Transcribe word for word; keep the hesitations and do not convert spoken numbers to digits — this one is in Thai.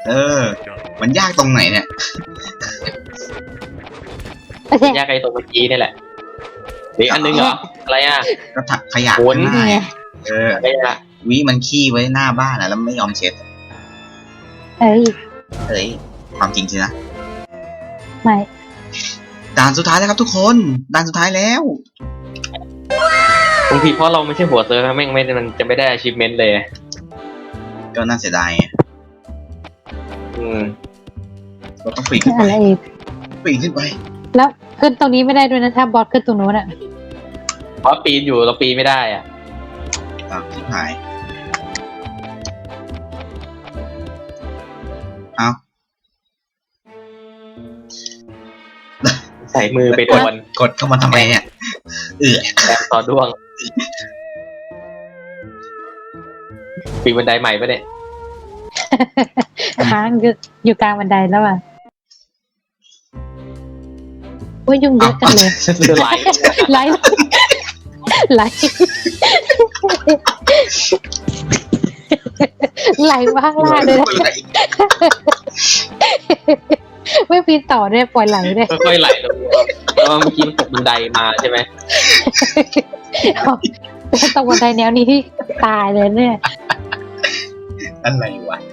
เออ มันยากตรงไหนเนี่ยยากไอ้ตรงเมื่อกี้นี่แหละเด็กอันนึงเหรออะไรอ่ะก็ถักขยะโอ้ข้างหน้านี่ไงเอออะไรอ่ะวิมันขี้ไว้หน้าบ้านอะแล้วไม่ยอมเช็ดเอ้ยเฮ้ยความจริงสินะไม่ด่านสุดท้ายแล้วครับทุกคนด่านสุดท้ายแล้วบางทีเพราะเราไม่ใช่หัวเซิร์ฟแม่งไม่มันจะไม่ได้ achievement เลยก็น่าเสียดายไงอืมเราต้องปีนขึ้นไปอะไรอีกปีนขึ้นไปแล้วขึ้นตรงนี้ไม่ได้ด้วยนะถ้าบอสขึ้นตรงนู้นอะเพราะปีนอยู่เราปีนไม่ได้อ่ะอ่ะชิบหายเอาใส่มือไปโดนกดเข้ามาทำไมเนี่ยเออแรงต่อด้วงปีนบันไดใหม่ปะเนี่ยค้างอยู่อยู่กลางบันไดแล้วอ่ะโอ้ยยุ่งเยอะจังเลยเรือไหลไหลไหลไหลมาข้างล่างเลยนะไม่ปีนต่อด้วยปล่อยไหลเลยค่อยๆไหลลงเพราะว่าเมื่อกี้มันตกบันไดมาใช่ไหมตรงบันไดแนวนี้ที่ตายเลยเนี่ยอะไรวะ